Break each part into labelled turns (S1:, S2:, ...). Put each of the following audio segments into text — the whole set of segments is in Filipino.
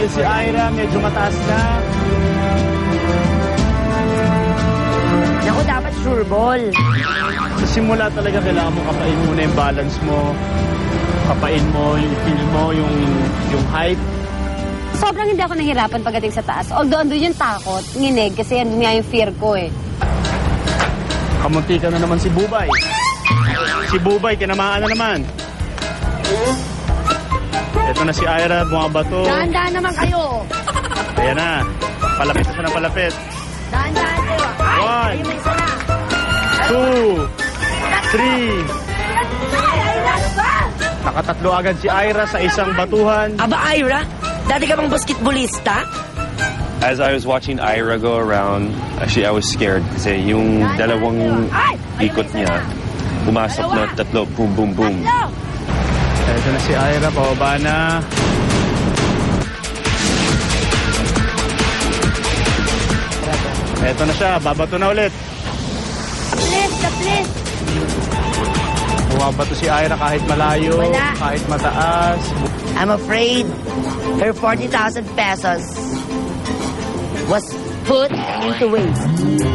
S1: Nandiyan si Ira, medyo mataas na.
S2: Naku, dapat sure ball.
S1: Sa simula talaga kailangan mo kapain muna yung balance mo. Kapain mo yung feel mo, yung height.
S3: Sobrang hindi ako nahirapan pagdating sa taas. Although andun yung takot, nginig, kasi andun nga yung fear ko eh.
S1: Kamunti ka na naman si Bubay. Si Bubay, kinamaan na naman. Ito na si Ira, bumabato.
S2: Dahan-dahan naman kayo.
S1: Ayan na. Palapit na siya ng palapit.
S2: Dahan-dahan kayo. Ay,
S1: One.
S2: ayun na isa na.
S1: 2, 3. Nakatatlo agad si Ira sa isang batuhan.
S2: Aba, Ira, dati ka bang basketballista?
S4: As I was watching Ira go around, actually I was scared kasi yung dalawang ikot niya, pumasok na tatlo, boom, boom, boom.
S1: Ito na si Ira, pababa na. Ito na siya, babato na ulit.
S2: Please.
S1: Bumabato si Ira kahit malayo,
S2: Wala.
S1: kahit mataas.
S2: I'm afraid her 40,000 pesos was put into waste.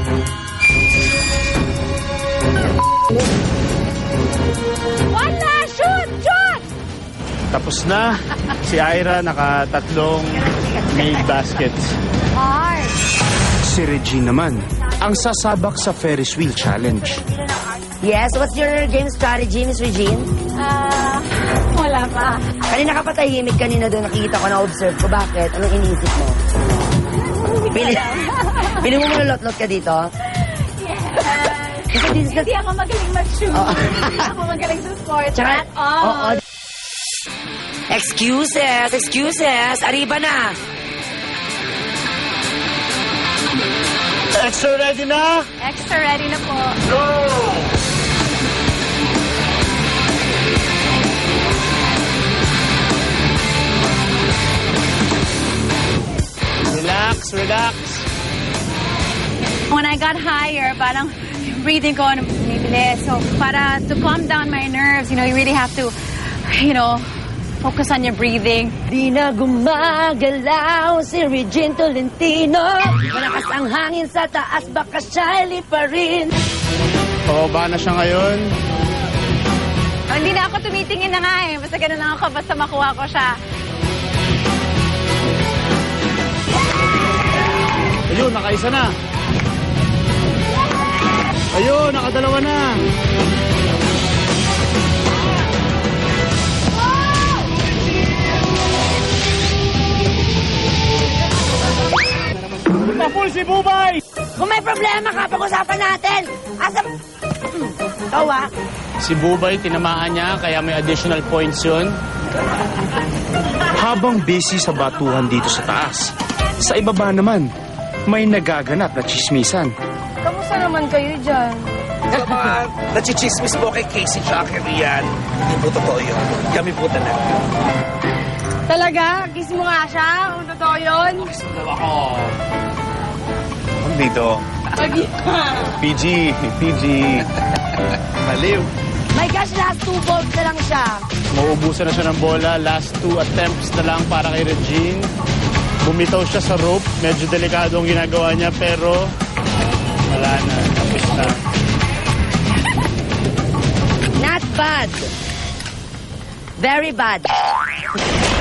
S3: Wala! Shoot! Shoot!
S1: Tapos na, si Ira nakatatlong made baskets.
S3: Hard!
S5: Si Regine naman, ang sasabak sa Ferris Wheel Challenge.
S2: Yes, what's your game strategy, Miss Regine?
S3: Wala pa.
S2: Kanina ka patahimik kanina doon, nakikita ko, na-observe ko. Bakit? Anong iniisip mo? Pili mo malulot-lot ka dito? Kasi this is the...
S3: Hindi ako magaling mag-shoot.
S2: Oo.
S3: Hindi ako magaling sa sports
S2: Tsaka,
S3: at all.
S2: oo. Excuses. Arriba na.
S1: Extra ready na?
S3: Extra ready na po.
S1: Relax.
S3: When I got higher, parang yung breathing ko bumibilis. So, para to calm down my nerves, you really have to, focus on your breathing.
S2: Di na gumagalaw si Regine Tolentino. Malakas ang hangin sa taas, baka shyly pa rin.
S1: Pababa na siya ngayon.
S3: Oh, hindi na ako tumitingin na nga eh. Basta ganun lang ako, basta makuha ko siya.
S1: Ayun, nakaisa na. Ayun, nakadalawa na. Mapul si Bubay!
S2: Kung may problema ka, pag-usapan natin. Asa... Ikaw
S1: Si Bubay, tinamaan niya, kaya may additional points yun.
S5: Habang busy sa batuhan dito sa taas, sa ibaba naman, may nagaganap na chismisan.
S3: Kamusta naman kayo dyan?
S6: Sa mga nachichismis po kay Casey tsaka kay Rian, hindi po totoo yun. Kami po talaga.
S3: Talaga? Kiss mo nga siya? Kung totoo yun?
S4: Dito, PG. Maliw.
S2: My gosh, last 2 balls na lang siya.
S1: Mauubusan na siya ng bola. Last 2 attempts na lang para kay Regine. Bumitaw siya sa rope. Medyo delikado ang ginagawa niya, pero wala na. Tapos na.
S2: Not bad. Very bad.